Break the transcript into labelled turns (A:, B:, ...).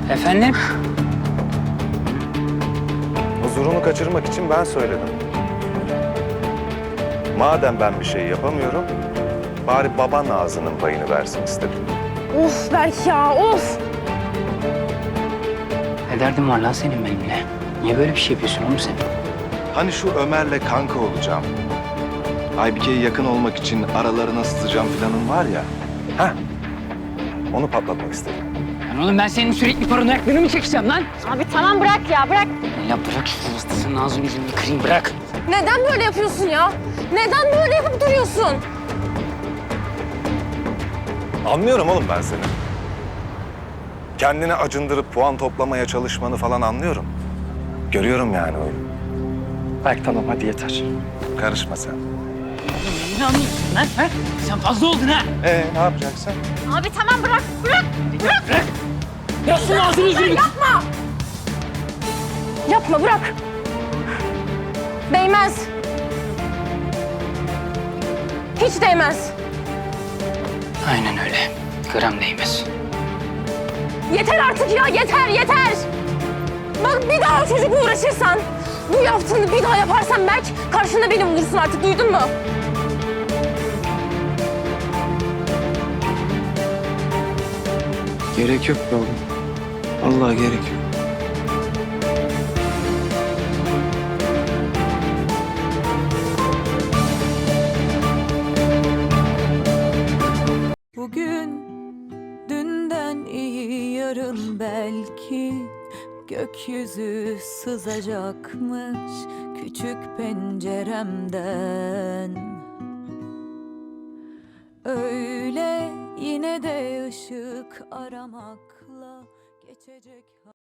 A: Efendim?
B: Huzurunu kaçırmak için ben söyledim. Madem ben bir şey yapamıyorum, bari baban ağzının payını versin istedim.
C: Of Berk ya, of!
A: Ne derdin var lan senin benimle? Niye böyle bir şey yapıyorsun oğlum sen?
B: Hani şu Ömer'le kanka olacağım, Aybike'ye yakın olmak için aralarına sızacağım planın var ya. Heh, onu patlatmak istedim.
A: Lan oğlum ben senin sürekli paranoyaklığını mı çekeceğim lan?
C: Abi tamam bırak ya, bırak.
A: Ya bırak şu hastasının ağzını yüzünü kırayım bırak.
C: Neden böyle yapıyorsun ya? Neden böyle yapıp duruyorsun?
B: Anlıyorum oğlum ben seni. Kendini acındırıp puan toplamaya çalışmanı falan anlıyorum. Görüyorum yani oyunu.
D: Berk tamam hadi yeter.
B: Karışma sen.
A: Ne anlıyorsun lan? Ha? Sen fazla oldun ha.
B: Ne yapacaksın?
C: Abi tamam bırak, bırak.
A: Bırak. Ya şunun ağzını yüzünü.
C: Yapma! Yapma, bırak. Değmez. Hiç değmez.
A: Aynen öyle. Gram değmez.
C: Yeter artık ya, yeter, yeter! Bak bir daha o çocukla uğraşırsan, bu yaptığını bir daha yaparsan Berk, karşında beni bulursun artık, duydun mu?
D: Gerek yok be oğlum. Vallahi gerek yok.
E: Bugün dünden iyi yarın belki gökyüzü sızacakmış küçük penceremden. Öyle yine de ışık aramakla geçecek.